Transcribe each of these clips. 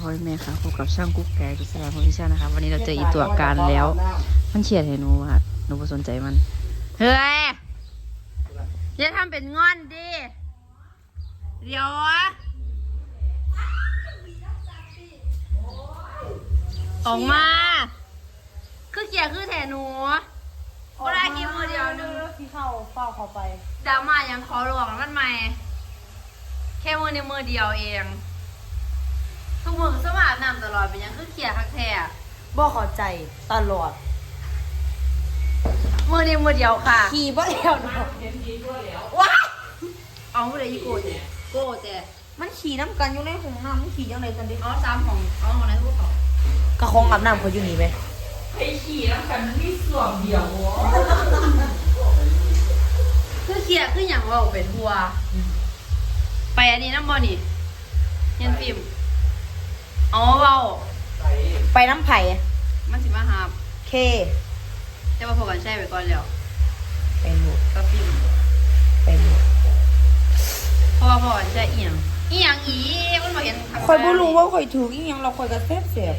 อแม่ค่ะพบกับช่างกุ๊กไก่กุศลพลพิชานะคะวันนี้เราเจออีตัวการแล้วมันเฉียดให้หนูว่าหนูไม่สนใจมันเฮ้ยอย่าทำเป็นงอนดิเดี๋ยวออกมาคือเกียร์คือแถหนูก็ได้กินมือเดียวนึงที่เข้าเฝ้าเขาไปดราม่ายังขอหลวงมันใหม่แค่มือในมือเดียวเองทุกมือสมาร์ทนำตลอดเป็นยังคือเขียคักแท้บ่เข้าใจตลอดมือในมือเดียวค่ะขี่บ่แล้วเนาะว้าเอาไปเลยอีโก้เจ๊โก้เจ๊มันขี่น้ำกันอยู่ในห้องน้ำมันขี่ยังไงกันดิเอาซ้ำของเอาของไหนพวกเขากระคองอาบน้ำเขาอยู่นี่ไหมไอ้ขี่น้ำกันที่ส่วนเดียวคือเขียคืออย่างว่าเป็นทัวไปอันนี้น้ำบอนี่ยันฟิล์มเอาเบาไปน้ำไผ่มันสิมาหาเคจะมาพบกันใช่ไปก่อนแล้วไปหมดก็ฟิล์มไปหมดเพราะว่าพอจะเอียงอีมันมาเห็นคอยบ่รู้ว่าคอยถืออีหยังเราคอยกระเสียบ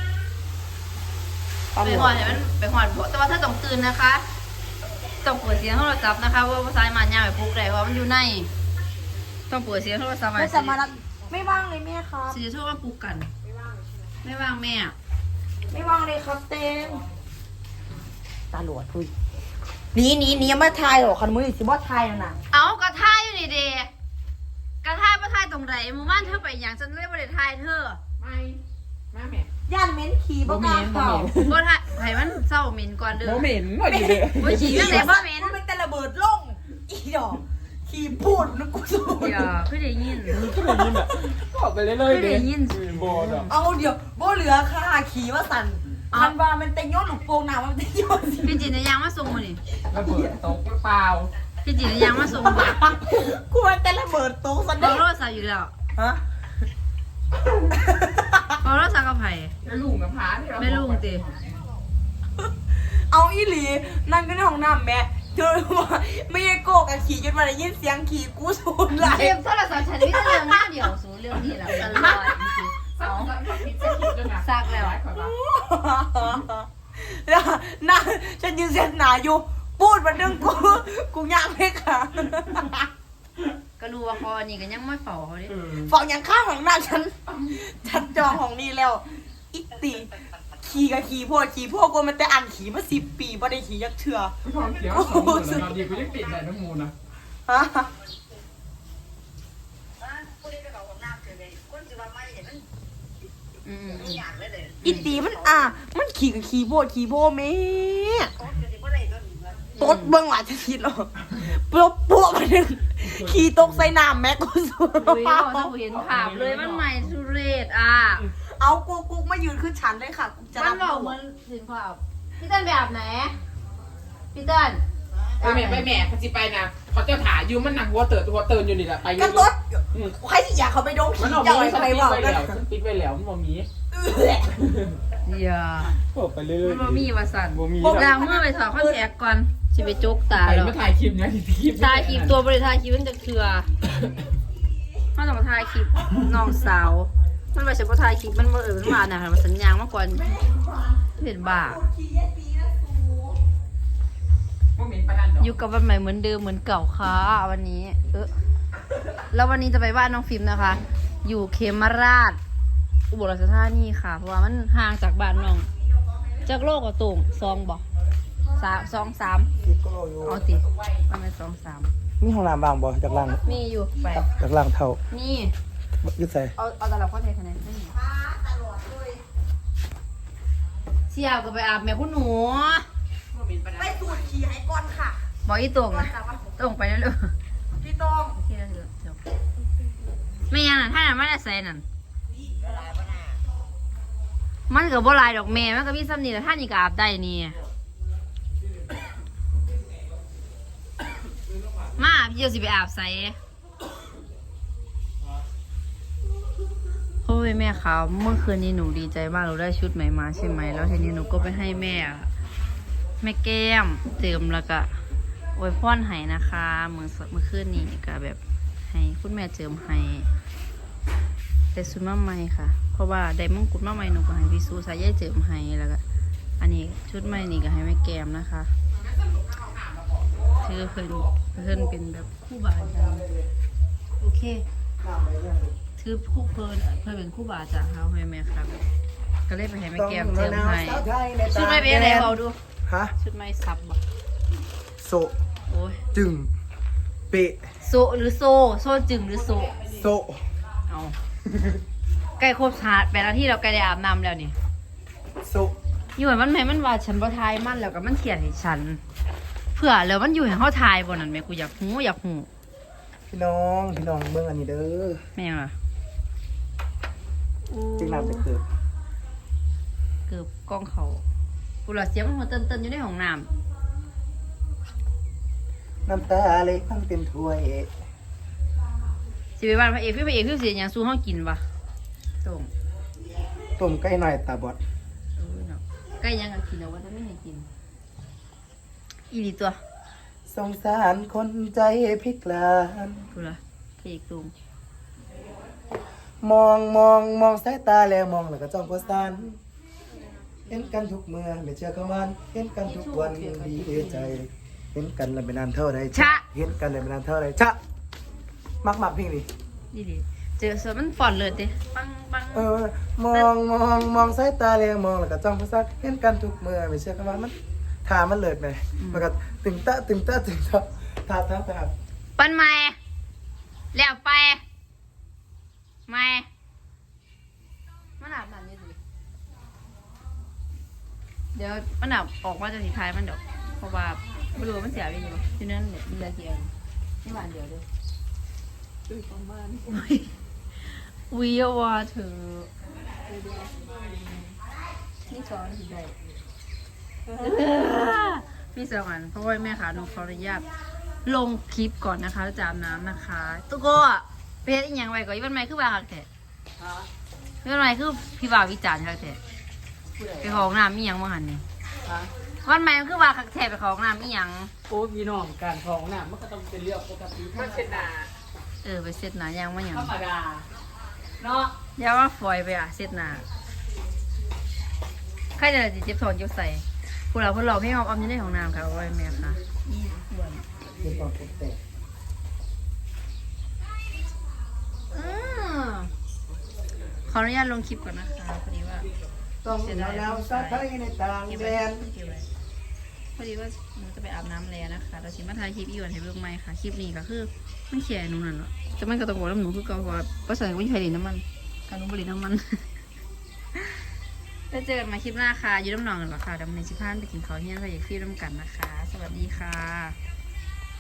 ไปหอดเห็นมันไปหอดบ่แต่ว่าถ้าต้องตื่นนะคะต้องเปิดเสียงโทรศัพท์นะคะว่าภาษามันยาวไปปลุกได้เพราะมันอยู่ในต้องเปิดเสียงโทรศัพท์ไม่จะมารับไม่ว่างเลยแม่ครับสิจะโทรมาปลุกกันไม่ว่างแม่ไม่ว่างเลยครับเต็มตาหลวดคุยนี่ยังไม่ทายหรอกคันมือสิบ่ทายน่ะเอากระทายอยู่นี่เดกระทายประทายตรงไหนมึงบ้านเธอไปอย่างฉันเรียกว่าเดทายเธอไม่แม่ย่านเม้นขี่บ่กล้าเข้าบ่ทายไผมันเศร้าเหม็นก่อนเด้อบ่เหม็นว่าดีเลยบ่ขี่ยังไงบ่เหม็นมันแต่ระเบิดลงอีดอกขี่พูดแล้วกูสู้อย่าคือได้ยินคือได้ยินอ่ะก็ไปเรื่อยๆได้ยินบอดอ่ะเอาเดี๋ยวบ่เหลือค่ะขี่ว่าสั่นคันว่ามันเต็งย้อนลูกโป่งหนามันเต็งย้อนพี่จีนในยางมาส่งมานี่ระเบิดตกเปล่าพี่จีนในยางมาส่งบ่กูมันแต่ระเบิดตกซะเด้อโทรศัพท์อยู่แล้วฮะเอาโทรศัพท์กับไผไม่ลุงกับพาที่เราไม่ลุงติเอาอีหลีนั่งกันในห้องน้ำแม่เจอว่าไม่ได้โกกันขี่จนมาได้ยินเสียงขี่กูสูดไหลเก็บโทรศัพท์ฉันมีแต่เรื่องหน้าเดียวสูเรื่องนี้แหละตลอดเอาซักแล้วแล้วน่าฉันยืนเส้นหนาอยู่พูดมาเรื่องกูยากไหมคะก็รู้ว่าคอนี่ก็ยังไม่เฝ้าเขาดิฝั่งยังข้างของหน้าฉันจองของนี่แล้วอิติขี่กับขี่พวกกูมันแต่อันขี่มา10 ปีบ่ได้ขี่ยักเถื่อท้องเขียว2 มื้อแล้วดีกูยังติดได้น้ำมูลนะฮะอิตีมันมันขี่กับขี่โพแม่ตดเบื้องหลังจะคิดหรอปุ๊บมาหนึ่งขี่ตกใส่น้ำแม่กูสุดเราเห็นภาพเลยมันใหม่สุเรศเอากูมายืนขึ้นชั้นเลยค่ะจะรับเหมือนเห็นภาพพี่เต้นแบบไหนพี่เต้นไปแม่เขาจะไปนะเขาจะถ่ายอยู่มันหนังวัวเติร์นอยู่นี่แหละไปกันตดใครที่อยากเขาไปโดนขี่จะอะไรไปวะปิดไปแล้วมันบ่มีอย่าไปเรื่อยๆมันบ่มีวาสันล้างมือไปถอดข้อแขกก่อนสิไปจุกตาแล้วไปถ่ายคลิปนะถ่ายคลิปตัวบริถ่ายคลิปมันจะเถื่อถ้าต้องมาถ่ายคลิปน้องสาวมันไปเฉพาะถ่ายคลิปมันมันมาน่ะมันสัญญาณมาก่อนเห็นบ้าอยู่กับวันใหม่เหมือนเดิมเหมือนเก่าค่ะวันนี้แล้ววันนี้จะไปบ้านน้องฟิล์มนะคะ อยู่เขมราชอุบลราชธานีค่ะเพราะว่ามันห่างจากบ้านน้องจากโลกกับตุ่ง2 บอก3เอาติมันเป็น2-3 มีห้องน้ำบางบ่จากล่างมีอยู่ไปจากล่างเท่านี่ยึดใส่เอาตลับข้อเทคะแนนไม่มีเชี่ยวก็ไปอาบแม่คุณหนูไปสูดขี่ให้ก่อนค่ะบอกอีตรงไปแล้วเลยพี่ตรงไม่ยังน่ะถ้าน่ะไม่ได้ใส่นั่นมันกับบ่ลายดอกเมย์มันก็มีซ้ำนี่แต่ท่านนี่ก็อาบได้นี่มาพี่จะสิไปอาบใส่โอ้ยแม่ครับเมื่อคืนนี้หนูดีใจมากหนูได้ชุดใหม่มาใช่ไหมแล้วทีนี้หนูก็ไปให้แม่แก้มเติมแล้วก็อวยพรให้นะคะเมื่อคืนนี้ก็แบบให้คุณแม่เจิมให้แต่ชุดมาใหม่ค่ะราะว่าได้มงกุฎมาใหม่หนูก็ให้พี่ซูสายใยเจิมให้แล้วก็อันนี้ชุดใหม่นี่ก็ให้แม่แก้มนะคะคือเพิ่นเป็นแบบคู่บาอาจารย์โอเคถือคู่เพิ่นเป็นคู่บาอาจารย์เขาให้แม่ครับก็เลยไปให้แม่แก้มเจิมให้ชุดใหม่เป็นอะไรเอาดูฮะชุดใหม่ซับบ่โซโอ้ยจึงเปะโซหรือโซจึงหรือโซโซเอาใกล้ครบ8 นาทีเราใกล้ได้อาบน้ำแล้วนี่โซอยู่ให้มันแม่มันว่าฉันบ่ทายมันแล้วก็มันเขียนให้ฉัน เพื่อแล้วมันอยู่ให้เฮาทายบ่นั่นแม่กูอยากฮู้พี่น้องเบิ่งอันนี้เด้อแม่งล่ะจึงน้ำจะเกิดเกือบกล้องเขากูละเสียงมันหัวเติ้นๆอยู่ในห้องน้ำน้ำตาเล็กตั้งเต็มถ้วยสิไปบ้านพระเอกคือสิหยังสู้เฮากินวะส่งต้มไก่หน่อยตาบอดเนาะใกล้ยังก็กินแล้วว่าจะไม่ให้กินอีหลีตัวสงสารคนใจพิกลานกูละพระเอกตุงมองสายตาแล้วมองแล้วก็จ้องก็สันเห็นกันทุกเมื่อไม่เชื่อเขามันเห็นกันทุกวันดีใจ เห็นกันแล้วไม่นานเท่าไรเห็นกันแล้วไม่นานเท่าไรชะมักเพลงนี้อีหลีเจอส่วนมันฟอนเลยเด้ปังมองสายตาแล้วมองแล้วก็จ้องก็สันเห็นกันทุกเมื่อไม่เชื่อเขามันทามันเลิศไหมมันก็ตึงตะทาปันใหม่แล้วไปใหม่มันอาบน้ำอยู่ดิเดี๋ยวมันอาบออกมาจะสีท้ายมันเดี๋ยวเพราะว่าไม่รู้ว่ามันเสียไปอยู่ที่นั่นเนี่ยมีอะไรเสียที่บ้านเดียวเลยวิวาเธอนี่สอนสิได้พี่สองอันเพราะว่าแม่ขาหนูขออนุญาตลงคลิปก่อนนะคะแล้วจะอาบน้ำนะคะตุ๊กโก้ไปเฮ็ดอีหยังไว้ก่อนอีวันใหม่คือว่าคักแท้อีวันใหม่คือพี่บ่าววิจารณ์คักแท้ไปขอห้องน้ำอีหยังมาหันนี่วันใหม่คือว่าคักแท้ไปขอห้องน้ำอีหยังโอ้พี่น้องการของน่ะมันก็ต้องเป็นเรื่องปกติมันเป็นนาไปเสร็จหนายังมาหยังธรรมดาเนาะอย่าว่าฝอยไปเสร็จหนาใครจะได้เจ็บท้องเจ็บใส่พวกเราพี่ออมอยู่ในห้องน้ำค่ะว่าแม่ค่ะเห็นความแตกขออนุญาตลงคลิปก่อนนะคะพอดีว่าต้องแล้วสะไทยในต่างแดนพอดีว่าหนูจะไปอาบน้ำแล้วนะคะเราชิมาถ่ายคลิปอีวันให้เบิ่งไหมค่ะคลิปนี้ก็คือมันเขียนหนูนั่นแหละแต่มันก็ต้องบอกน้ำหนูคือเก่าเพราะว่าภาษาไม่ใช่ลินน้ำมันการนุ่มบริน้ำมันแล้วเจอกันมาคลิปหน้าค่ะอยู่น้ำหนองกันหรอค่ะเดี๋ยววันนี้ชิพานไปกินข้าวเที่ยงค่ะอยากฟิวน้ำกันนะคะ สวัสดีค่ะ